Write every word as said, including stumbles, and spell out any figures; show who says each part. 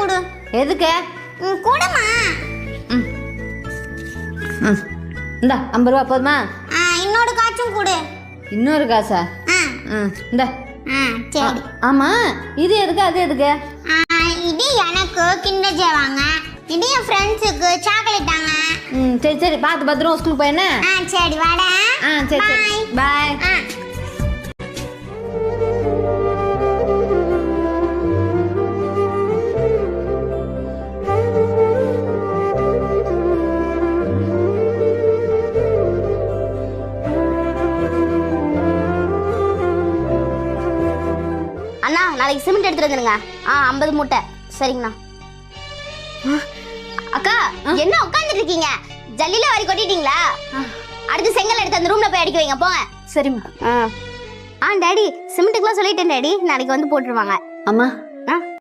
Speaker 1: கொடு.
Speaker 2: எதுக்கு?
Speaker 1: ம் கொடுமா.
Speaker 2: ம் ம் இந்தா ஐம்பது ரூபா போதுமா?
Speaker 1: ஆ இன்னொரு காச்சும் கொடு.
Speaker 2: இன்னொரு காசா?
Speaker 1: ஆ
Speaker 2: ம் இந்தா.
Speaker 1: ஆ சரி.
Speaker 2: ஆமாம் இது எதுக்கு அது எதுக்கு?
Speaker 1: ஆ இது எனக்கு கிண்டர் ஜாய் வாங்க, இது என் ஃப்ரெண்ட்ஸுக்கு சாக்லேட் தாங்க.
Speaker 2: ம் சரி சரி பார்த்து பத்திரம் ஸ்கூலுக்கு போய் என்ன?
Speaker 1: ஆ சரி வாடா.
Speaker 2: ஆ சரி சரி பாய்.
Speaker 1: ஆ
Speaker 3: அண்ணா நாளைக்கு சிமெண்ட் எடுத்துட்டு வந்துருங்க. ஆ ஐம்பது மூட்டை. சரிங்கண்ணா. அக்கா என்ன உட்காந்துட்டு இருக்கீங்க? ஜல்லில வாரி கொட்டிட்டீங்களா? அடுத்து செங்கல் எடுத்து அந்த ரூம்ல போய் அடிக்க வைங்க போங்க. சரிம்மா. ஆ டாடி சிமெண்ட்டுக்குலாம் சொல்லிட்டேன் டாடி, நாளைக்கு வந்து போட்டுருவாங்க.
Speaker 2: அம்மா
Speaker 3: ஆ